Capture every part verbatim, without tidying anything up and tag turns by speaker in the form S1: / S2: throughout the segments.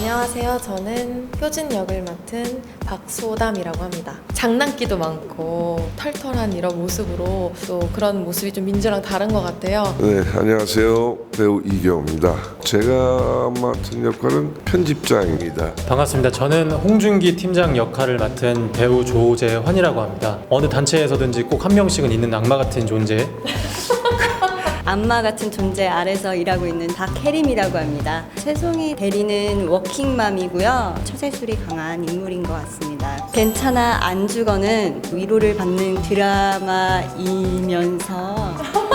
S1: 안녕하세요. 저는 효진 역을 맡은 박소담이라고 합니다. 장난기도 많고 털털한 이런 모습으로 또 그런 모습이 좀 민주랑 다른 것 같아요.
S2: 네, 안녕하세요. 배우 이경호입니다. 제가 맡은 역할은 편집장입니다.
S3: 반갑습니다. 저는 홍준기 팀장 역할을 맡은 배우 조재환이라고 합니다. 어느 단체에서든지 꼭 한 명씩은 있는 악마 같은 존재.
S4: 악마 같은 존재 아래서 일하고 있는 박혜림이라고 합니다. 최송이 대리는 워킹맘이고요. 처세술이 강한 인물인 것 같습니다. 괜찮아 안 죽어는 위로를 받는 드라마이면서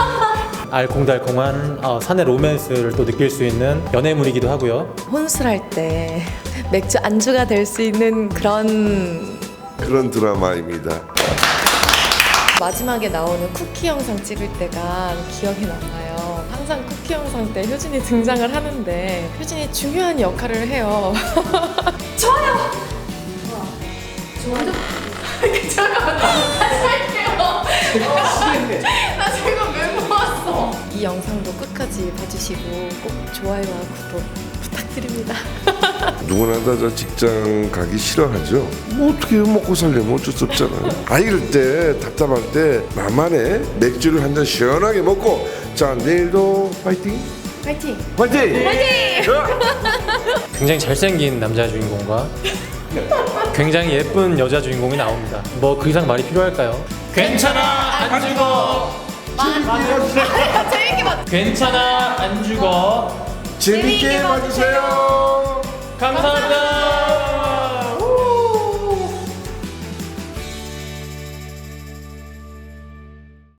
S3: 알콩달콩한 어, 사내 로맨스를 또 느낄 수 있는 연애물이기도 하고요.
S1: 혼술할 때 맥주 안주가 될 수 있는 그런
S2: 그런 드라마입니다.
S1: 마지막에 나오는 쿠키 영상 찍을 때가 기억이 남아요. 항상 쿠키 영상 때 효진이 등장을 하는데 효진이 중요한 역할을 해요. 좋아요! 저 완전... 잠깐만, 다시 할게요. 나 지금 왜 모았어? 이 영상도 끝까지 봐주시고 꼭 좋아요와 구독 부탁드립니다.
S2: 누구나 다 저 직장 가기 싫어하죠. 뭐 어떻게 먹고 살려면 어쩔 수 없잖아요. 아 이럴 때 답답할 때 나만의 맥주를 한 잔 시원하게 먹고 자 내일도 파이팅!
S1: 파이팅!
S2: 파이팅!
S3: 굉장히 잘생긴 남자 주인공과 굉장히 예쁜 여자 주인공이 나옵니다. 뭐 그 이상 말이 필요할까요? 괜찮아 안 죽어.
S1: 재밌게 봤
S3: 괜찮아 안 죽어.
S2: 재밌게 봐주세요.
S3: 감사합니다.